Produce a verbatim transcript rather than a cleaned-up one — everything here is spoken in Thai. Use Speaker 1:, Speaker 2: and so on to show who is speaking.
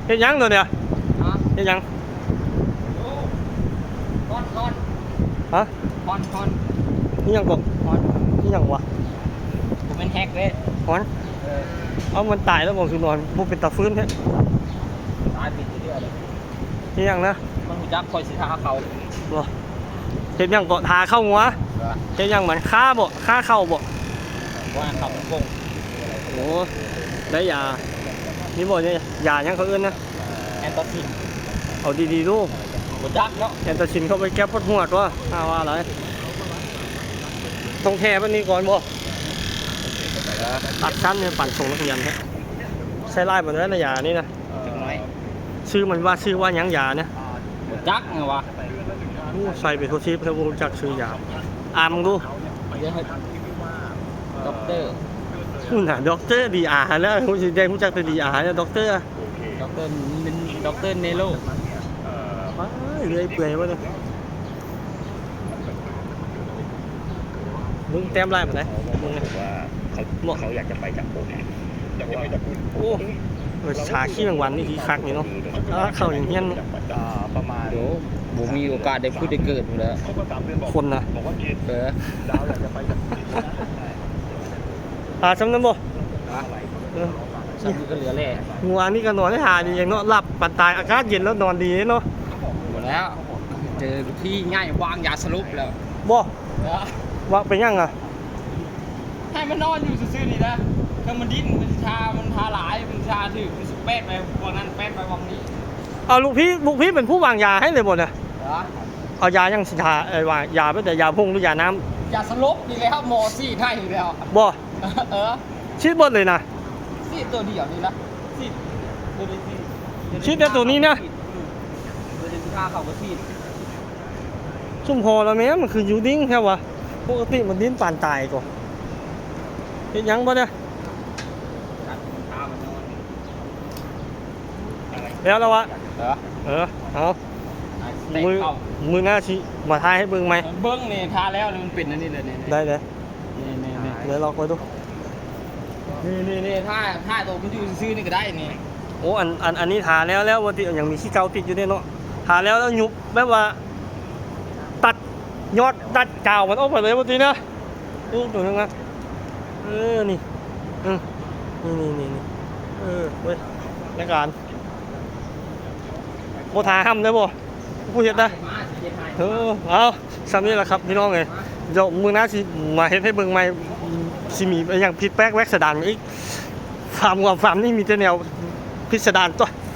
Speaker 1: เฮ็ดยังตัวเนี่ยเฮ็ดยัง
Speaker 2: คอนคอน
Speaker 1: ฮะ
Speaker 2: คอนคอน
Speaker 1: นี่ยังกบ
Speaker 2: คอน
Speaker 1: นี่ยังวะ
Speaker 2: ผมเป็นแฮกเลย
Speaker 1: คอนเอามันตายแล้วบอกคือนอนมันเป็นตาฟื้นแท้
Speaker 2: ตายปิดเรื่อยเลย
Speaker 1: นี่ยังนะ
Speaker 2: มันหูจักคอยสิทาเขา
Speaker 1: บ่เฮ็ดยังก็ทาเข้าหัวเฮ็ดยังเหมือนฆ่าบ่ฆ่าเข้าบ่
Speaker 2: ว่าเขาเป็นกง
Speaker 1: โอ้ได้ยานี่บ่เนี่ยยายังเขาเอื้อนนะ
Speaker 2: แอนตาซิน
Speaker 1: เอาดีๆดู
Speaker 2: หูจักเนาะ
Speaker 1: แอนตาซินเข้าไปแก้ปวดหัวตัวอ้าวว่าอะไรต้องแท้ปานนี้ก่อนบ่ตัดชั้นเนี่ยปั่นส่งนักเรียนแท้ใช้ไล่หมดแล้วนะยานี่นะชื่อมันว่าชื่อว่ายังยาเนี่ย
Speaker 2: จักไงวะ
Speaker 1: ใส่ไปโทชิปแล้วรู้จักชื่อยาอ่านมึงดู
Speaker 2: ด็อกเตอร์
Speaker 1: นู่นน่ะด็อกเตอร์ดีอาร์แล้วคุณสิได้รู้จักแต่ดีอาร์เนี่ยด็อกเตอร์
Speaker 2: ด็อกเตอร์ด็อกเตอร์เนโร่
Speaker 1: ว้าเรื่อยเปื่อยวะเนี่ยมึงเต็มไล่หมดเลยมึงว่าเขาเขาอยากจะไปจับผมอยากจะไปจับผมโอ้ชาขี้แมงวันนี่คือคักนี่เนาะเข้าอย่างเงี้ย
Speaker 2: ประมาณเดี๋ยวผมมีโอกาสได้พูดได้เกิดอยู่แล้ว
Speaker 1: คนนะ
Speaker 2: เออดาวอยากจะไปจับ
Speaker 1: อ่าจำนั้นบ่
Speaker 2: จำก็เหลือแหล่
Speaker 1: งัวนี่ก็นอนได้หาดีอย่างเนาะหลับปัดตายอากาศเย็นแล้วนอนดีเนาะ
Speaker 2: หมดแล้วเจอที่ง่ายวางยาสลบแล้ว
Speaker 1: บ่ว่าเป็นยังอ่ะ
Speaker 2: ให้มันนอนอยู่ซื่อๆนี่นะถ้ามันดิ้นมันชามันทาหลายมันชาถือมันสุดแป๊ดไปวันนั้นแป๊ดไปวันนี้
Speaker 1: เอาลูกพี่ลูกพี่เป็นผู้วางยาให้เลยหมดเลยเอายายังสิทาเออวางยาไม่แต่ยาพุ่งหรือยาน้
Speaker 2: ำยาสลบนี่เลยครับหมอซี่ให้อยู่แล้ว
Speaker 1: บ่
Speaker 2: เออ
Speaker 1: ชิดบดเลยนะ
Speaker 2: ซี่ตัวเดียวนี่นะซี่ตัวนี้
Speaker 1: ชิดแต่ตัวนี้นะ
Speaker 2: ตัวนี้ค่าเขาก็ซี่
Speaker 1: ชุ่มพอแล้วแม่มันคือยูดิ้งแค่วะปกติมันดิ้นปานตายก่อนเห็นยังบ่เนี่ยแล้วแล้ววะเออเอามือมือหน้าชี้มาทายให้เบิ้งไหม
Speaker 2: เบิ้งนี่ทาแล้วมันเป็นอันนี้เลยเนี่ย
Speaker 1: ได้เลย
Speaker 2: นี่นี่นี่
Speaker 1: เดี๋ยวลองไปดู
Speaker 2: นี่นี่นี่ท่าท่าตัวมันอยู่ซื่อนี่ก็ได้นี่
Speaker 1: โอ้อันอันอันนี้ทาแล้วแล้ววันที่ยังมีขี้เกาติดอยู่เนี่ยเนาะทาแล้วแล้วยุบแบบว่าตัดยอดตัดกาวมันออกไปเลยวันที่นะนี่ตัวนึงนะเออนี่อืมนี่นี่นี่นี่เออเว้ยในการโบทาห้ำได้บ่ผู้เห็ดนะเออเอาซ้ำนี่แหละครับพี่น้องเลยเดี๋ยวมือหน้าสิมาเห็ดให้เบิ่งใหม่สิมีอย่างผิดแป๊กแวกสะดานอีกฟาร์มกับฟาร์มนี่มีแต่แนวพิสดารตัว